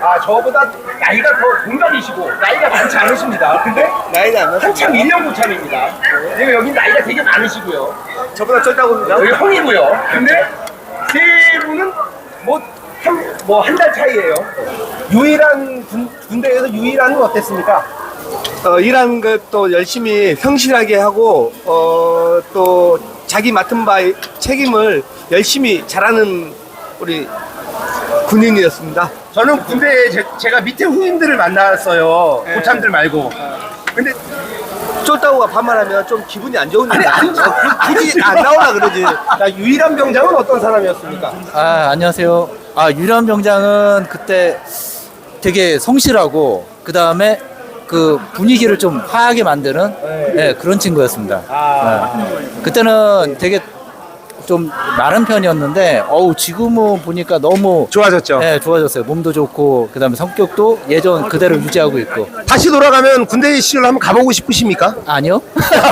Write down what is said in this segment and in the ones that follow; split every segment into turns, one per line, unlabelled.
저보다 나이가 더 동갑이시고 나이가 많지 않으십니다. 근데
나이가 안
한참 1년 고참입니다. 그리고 여기 나이가 되게 많으시고요.
저보다 쫄다고 그러죠?
여기 형이고요. 근데 세 분은 한 달 차이예요.
유일한 군대에서 유일한 건 어땠습니까? 일하는 것도 열심히 성실하게 하고 또 자기 맡은 바의 책임을 열심히 잘하는 우리 군인이었습니다.
저는 군대에 제가 밑에 후임들을 만났어요.
네.
고참들 말고. 근데
쫄다고가 반말하면 좀 기분이 안 좋은데
아니,
굳이 안 나오라 그러지. 자, 유일한 병장은 어떤 사람이었습니까?
안녕하세요. 유일한 병장은 그때 되게 성실하고 그 다음에 그 분위기를 좀 화하게 만드는 그런 친구였습니다. 그때는 되게 좀 마른 편이었는데 지금은 보니까 너무
좋아졌죠.
네, 좋아졌어요. 몸도 좋고 그 다음에 성격도 예전 그대로 유지하고 있고.
다시 돌아가면 군대 시절 한번 가보고 싶으십니까?
아니요.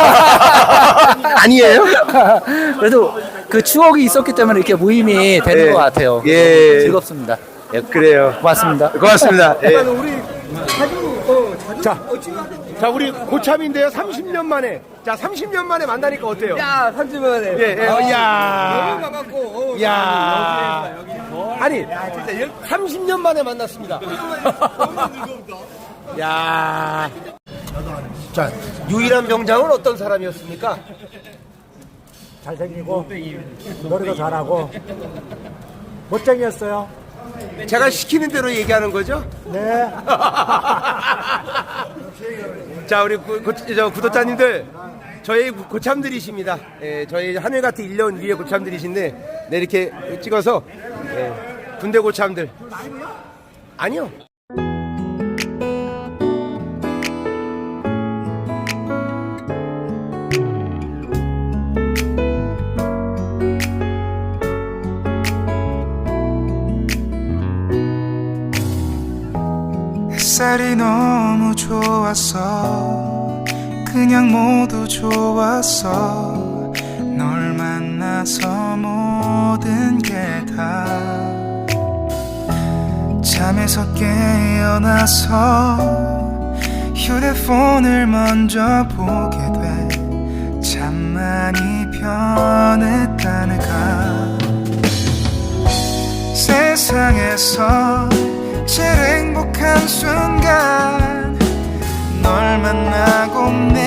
아니에요?
그래도 그 추억이 있었기 때문에 이렇게 모임이 되는
예.
것 같아요.
예.
즐겁습니다. 예,
그래요.
고맙습니다.
고맙습니다. 예.
자, 우리 고참인데요. 30년 만에. 자, 30년 만에 만나니까 어때요?
야, 30년 만에.
야.
반갑고.
야. 아니, 30년 만에 만났습니다. 야.
자, 유일한 병장은 어떤 사람이었습니까?
잘생기고 노래도 잘하고 멋쟁이였어요.
제가 시키는 대로 얘기하는 거죠?
네.
자, 우리 구독자님들, 저희 고참들이십니다. 예, 저희 하늘같은 1년 위에 고참들이신데, 네, 이렇게 찍어서, 군대 고참들. 아니요.
햇살이 너무 좋았어 그냥 모두 좋았어 널 만나서 모든 게 다 잠에서 깨어나서 휴대폰을 먼저 보게 돼 참 많이 변했다는가 세상에서 제일 행복한 순간 널 만나고